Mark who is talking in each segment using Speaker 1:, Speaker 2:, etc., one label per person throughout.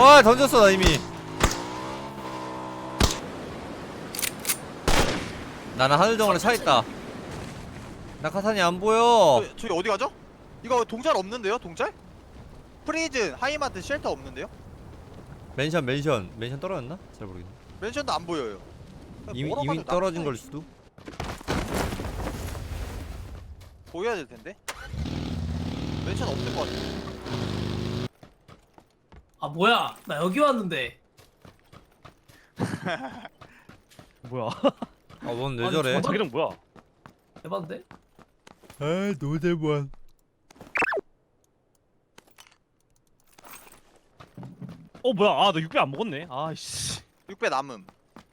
Speaker 1: 와 던졌어 나 이미. 나는 하늘 정원에 차 있다. 낙하산이 안 보여.
Speaker 2: 저희 어디 가죠? 이거 동잘 없는데요? 동잘? 프리즌, 하이마트, 쉘터 없는데요?
Speaker 1: 맨션 떨어졌나? 잘 모르겠네.
Speaker 2: 맨션도 안 보여요.
Speaker 1: 이미
Speaker 2: 뭐라고
Speaker 1: 이미
Speaker 2: 하죠?
Speaker 1: 떨어진
Speaker 2: 낙하산이
Speaker 1: 걸 수도.
Speaker 2: 보여야 될 텐데. 맨션 없을 것 같아.
Speaker 3: 아 뭐야 나 여기 왔는데.
Speaker 4: 뭐야?
Speaker 1: 아뭔 왜
Speaker 3: 아니,
Speaker 1: 저래?
Speaker 3: 저거-
Speaker 4: 자기랑 뭐야?
Speaker 3: 대박인데?
Speaker 1: 아 노대만.
Speaker 4: 뭐야? 아, 너 6배 안 먹었네. 아이씨.
Speaker 2: 6배 남음.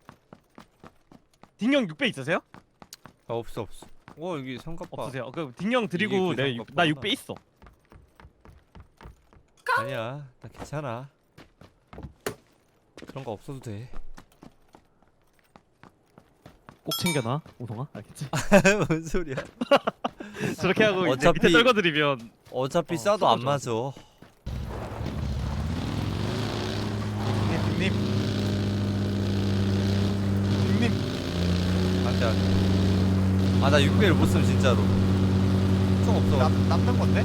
Speaker 4: 딩형 6배 있으세요?
Speaker 1: 아 없어. 여기 삼각바.
Speaker 4: 없으세요? 그 딩형 드리고
Speaker 1: 이게 그
Speaker 4: 나
Speaker 1: 삼각바구나.
Speaker 4: 6배 있어.
Speaker 1: 아니야 나 괜찮아. 그런 거 없어도 돼.
Speaker 4: 꼭 챙겨놔, 오성아. 알겠지?
Speaker 1: 뭔 소리야?
Speaker 4: 저렇게 하고 이제
Speaker 1: 어차피-
Speaker 4: 밑에 떨궈드리면
Speaker 1: 어차피
Speaker 4: 어,
Speaker 1: 싸도 안
Speaker 4: 쏘죠.
Speaker 1: 맞아.
Speaker 2: 님. 님.
Speaker 1: 안돼 안돼. 아나 6배를 못 쓰면 진짜로. 총 없어.
Speaker 2: 남는 건데?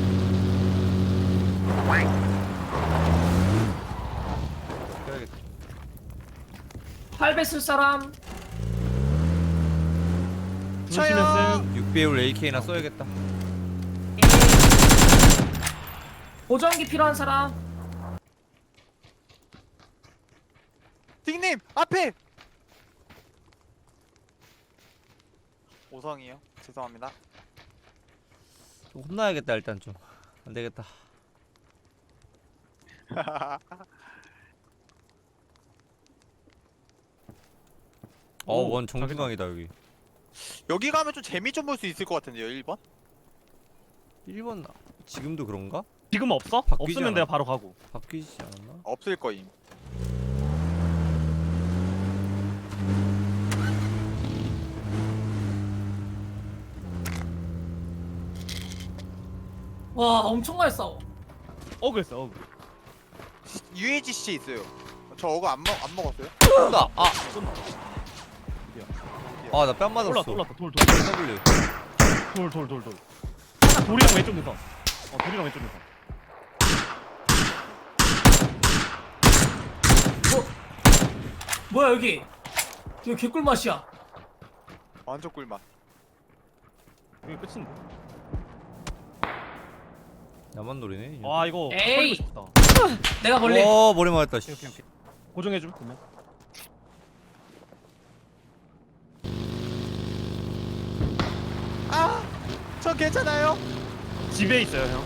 Speaker 1: 그래야겠다.
Speaker 3: 8배 쓸 사람.
Speaker 4: 주시면
Speaker 1: 6배율 AK나 써야겠다.
Speaker 3: 보정기 필요한 사람.
Speaker 2: 딩님 앞에. 오성이요. 죄송합니다.
Speaker 1: 좀 혼나야겠다 일단 좀. 안 되겠다.
Speaker 4: 오,
Speaker 1: 원 정중앙이다 여기.
Speaker 2: 여기 가면 좀 재미 좀 볼 수 있을 것 같은데요. 1번?
Speaker 1: 1번 지금도 그런가?
Speaker 4: 지금 없어?
Speaker 1: 바뀌지
Speaker 4: 없으면
Speaker 1: 않아?
Speaker 4: 내가 바로 가고.
Speaker 1: 바뀌지 않았나?
Speaker 2: 없을 거임.
Speaker 3: 와 엄청 많이 싸워.
Speaker 4: 그랬어.
Speaker 2: UAGC 있어요. 저 어거 안 먹었어요?
Speaker 1: 쏜다! 아! 아 나 뺨 맞았어.
Speaker 4: 올랐다. 돌.
Speaker 1: W.
Speaker 4: 돌이랑 왼쪽 능선. 돌이랑 왼쪽 능선.
Speaker 3: 뭐야 여기. 여기 개꿀맛이야.
Speaker 2: 완전 꿀맛.
Speaker 4: 여기 끝인데.
Speaker 1: 나만 노리네.
Speaker 4: 아, 이거
Speaker 3: 에이.
Speaker 4: 버리고 싶다.
Speaker 3: 내가 걸래.
Speaker 1: 머리 맞았다 씨.
Speaker 4: 오케이. 고정해줘, 그러면.
Speaker 2: 아! 저 괜찮아요?
Speaker 4: 집에 있어요, 형.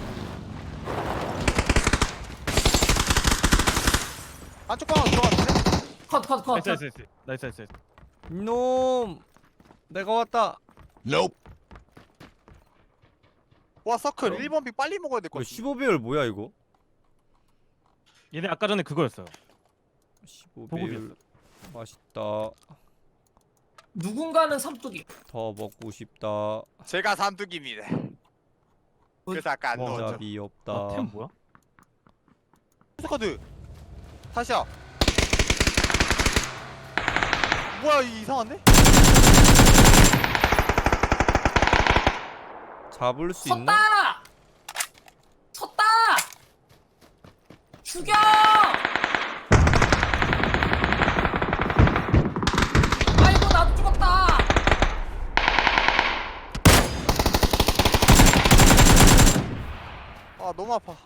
Speaker 2: 안쪽 방으로 들어갔는데?
Speaker 3: 컷.
Speaker 4: 나이스.
Speaker 1: 이놈! 내가 왔다.
Speaker 2: 와 서클 1번 픽 빨리 먹어야 될 것
Speaker 1: 이거
Speaker 2: 같아.
Speaker 1: 15배율 뭐야 이거?
Speaker 4: 얘네 아까 전에 그거였어요.
Speaker 1: 15배율
Speaker 4: 보급이었어.
Speaker 1: 맛있다.
Speaker 3: 누군가는 삼뚝이.
Speaker 1: 더 먹고 싶다.
Speaker 2: 제가 삼뚝입니다. 그래서 아까 안 넣었죠.
Speaker 1: 어차피 없다.
Speaker 4: 템 뭐야?
Speaker 2: 스쿼드 다시야. 뭐야 이상한데?
Speaker 1: 잡을 수 있나?
Speaker 3: 섰다. 죽여. 아이고 나도 죽었다.
Speaker 2: 아 너무 아파.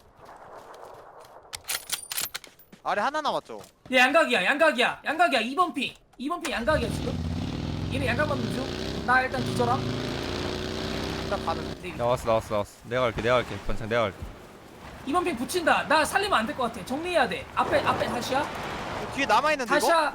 Speaker 2: 아래 하나 남았죠?
Speaker 3: 얘 양각이야 2번 핑 양각이야 지금. 얘네 양각 맞는 중. 나 일단 기절함.
Speaker 2: 일단 가는.
Speaker 1: 나왔어. 내가 갈게. 번창 내가 갈게.
Speaker 3: 2번 핑 붙인다. 나 살리면 안 될 것 같아. 정리해야 돼. 앞에 다시야.
Speaker 2: 뒤에 남아있는데 이거?
Speaker 3: 다시야.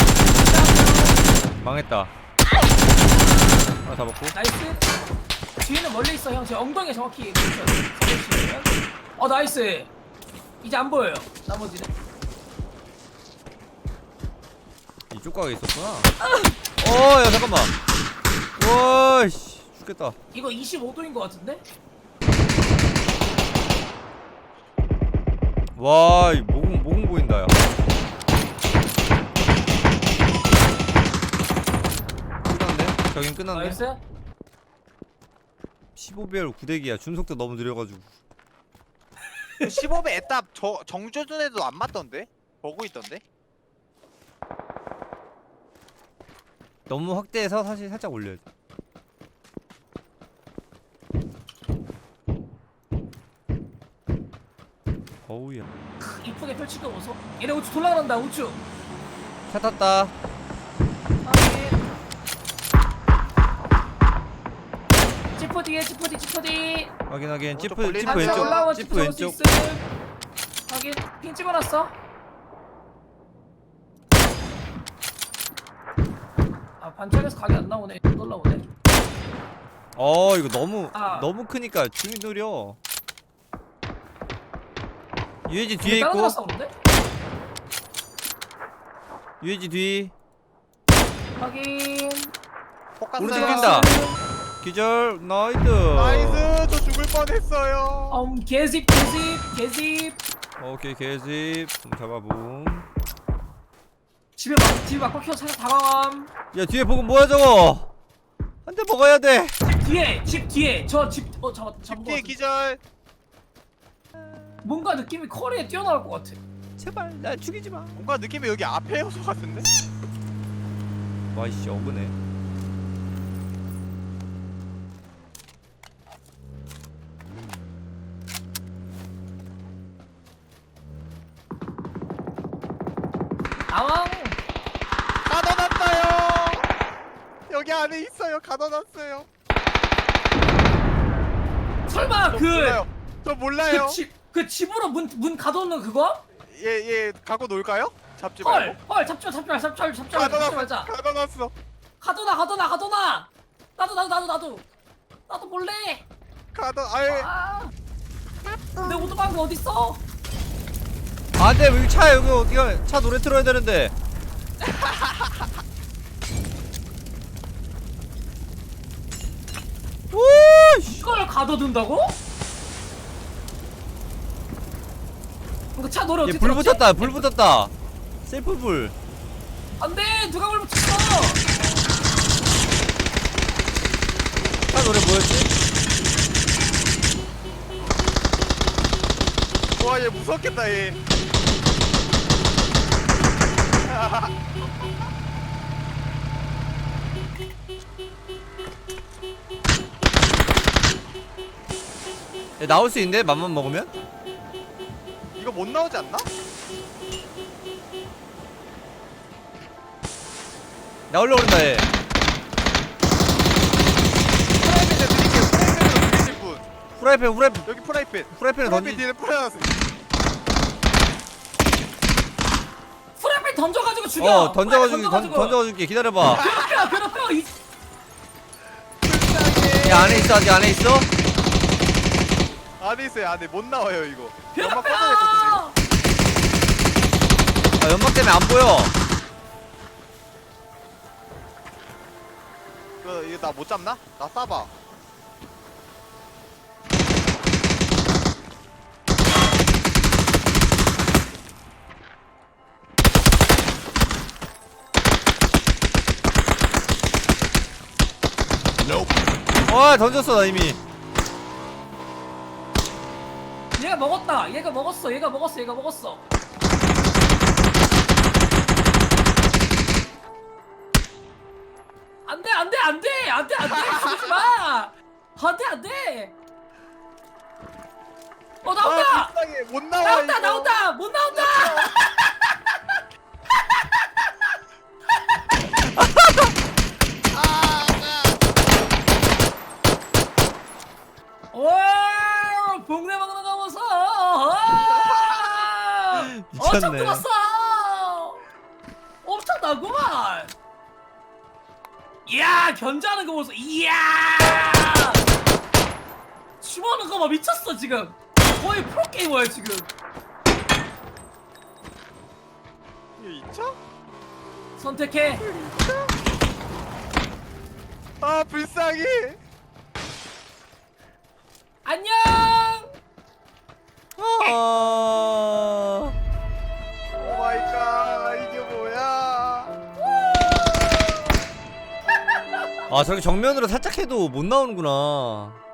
Speaker 1: 망했다. 하나 잡았고.
Speaker 3: 나이스. 뒤에는 멀리 있어 형. 제 엉덩이에 정확히 보시면. 나이스. 이제 안 보여요. 나머지는.
Speaker 1: 이쪽 가게 있었구나. 야 잠깐만. 와씨 죽겠다.
Speaker 3: 이거 25도인 것 같은데?
Speaker 1: 와, 이 모공 보인다 야. 저긴 끝났네.
Speaker 3: 나이스.
Speaker 1: 15배열 구대기야. 준속도 너무 느려가지고.
Speaker 2: 15배 에따 정조준에도 안 맞던데? 보고 있던데?
Speaker 1: 너무 확대해서 사실 살짝 올려야 돼. 어우야.
Speaker 3: 이쁘게 펼칠 거 보소. 얘네 우측 돌아간다 우측.
Speaker 1: 차 탔다.
Speaker 3: 확인. 지프 뒤에 지프 뒤.
Speaker 1: 확인하긴.
Speaker 2: 오른쪽
Speaker 1: 찌프
Speaker 2: 걸리는
Speaker 1: 찌프
Speaker 2: 거.
Speaker 1: 왼쪽.
Speaker 3: 올라와
Speaker 1: 찌프
Speaker 3: 지프 잡을 수
Speaker 1: 왼쪽.
Speaker 3: 있음. 확인. 핑 찍어놨어. 아 반짝에서 각이 안 나오네. 못 올라오네.
Speaker 1: 이거 너무
Speaker 3: 아.
Speaker 1: 너무 크니까 줌이 느려. UAG 뒤에
Speaker 3: 다른
Speaker 1: 있고.
Speaker 3: 사람 싸우는데?
Speaker 1: UAG 뒤.
Speaker 3: 확인.
Speaker 2: 포커스.
Speaker 1: 오른쪽 뛴다. 기절. 나이스.
Speaker 2: 나이스. 저 죽을 뻔했어요.
Speaker 3: 개집.
Speaker 1: 오케이 개집. 잡아봄.
Speaker 3: 집에 막 박혀서 살짝 다가감.
Speaker 1: 야 뒤에 보고 뭐야 저거. 한 대 먹어야 돼.
Speaker 3: 집 뒤에 저 집
Speaker 2: 집 뒤에 기절.
Speaker 3: 뭔가 느낌이 커리에 뛰어나올 것 같아.
Speaker 1: 제발 날 죽이지 마.
Speaker 2: 뭔가 느낌이 여기 앞에 요소 같은데?
Speaker 1: 와이씨 어그네.
Speaker 3: 나왕.
Speaker 2: 가둬놨어요. 여기 안에 있어요. 가둬놨어요.
Speaker 3: 설마
Speaker 2: 저 몰라요.
Speaker 3: 그 집으로 문 가둬놓는 그거?
Speaker 2: 얘 갖고 놀까요? 잡지 말고.
Speaker 3: 헐 잡지 말자.
Speaker 2: 가둬놨어.
Speaker 3: 가둬놔. 나도 몰래.
Speaker 2: 아예.
Speaker 3: 아. 내 오토바이가 어디 있어?
Speaker 1: 안돼 여기 차 여기 어디가 차 노래 틀어야 되는데. 오씨.
Speaker 3: 이걸 가둬둔다고? 이거 차 노래 어떻게
Speaker 1: 얘불
Speaker 3: 들었지?
Speaker 1: 붙었다 불 붙었다. 셀프 불.
Speaker 3: 안돼 누가 불 붙였어?
Speaker 1: 차 노래 뭐였지?
Speaker 2: 와, 얘 무섭겠다, 얘.
Speaker 1: 야, 나올 수 있는데 맘만 먹으면?
Speaker 2: 이거 못 나오지 않나?
Speaker 1: 나올려 그런다 얘.
Speaker 2: 프라이팬에 드릴게요. 프라이팬으로 드리실 분.
Speaker 1: 후라이팬
Speaker 2: 여기 프라이팬.
Speaker 1: 후라이팬을
Speaker 2: 프라이팬
Speaker 1: 던지.
Speaker 2: 뒤에 뿌려놨어요.
Speaker 3: 프라이팬 던져가지고 죽여.
Speaker 1: 던져가줄게 기다려봐.
Speaker 3: 괴롭혀.
Speaker 2: 불쌍해.
Speaker 1: 야 안에 있어 아직 안에 있어?
Speaker 2: 안에 있어요, 안에. 못 나와요, 이거.
Speaker 3: 괴롭혀.
Speaker 2: 연막 뻗어냈거든요,
Speaker 1: 아 연막 때문에 안 보여.
Speaker 2: 이거 나 못 잡나? 나 쏴봐.
Speaker 1: 와 던졌어 나 이미.
Speaker 3: 얘가 먹었다. 얘가 먹었어. 안돼. 죽지 마. 안돼. 나온다.
Speaker 2: 아, 불쌍해. 못 나와, 이거.
Speaker 3: 나온다. 못 나온다. 와, 복내 먹는 거 보소. 엄청
Speaker 1: 미쳤네.
Speaker 3: 들었어. 엄청나구만. 이야, 견제하는 거 보소. 이야. 춤하는 거 봐, 미쳤어 지금. 거의 프로게이머야 지금.
Speaker 2: 이거 있죠?
Speaker 3: 선택해.
Speaker 2: 아, 불쌍해.
Speaker 3: 안녕.
Speaker 1: 아.
Speaker 2: 오 마이 갓. 이게 뭐야?
Speaker 1: 아 저기 정면으로 살짝 해도 못 나오는구나.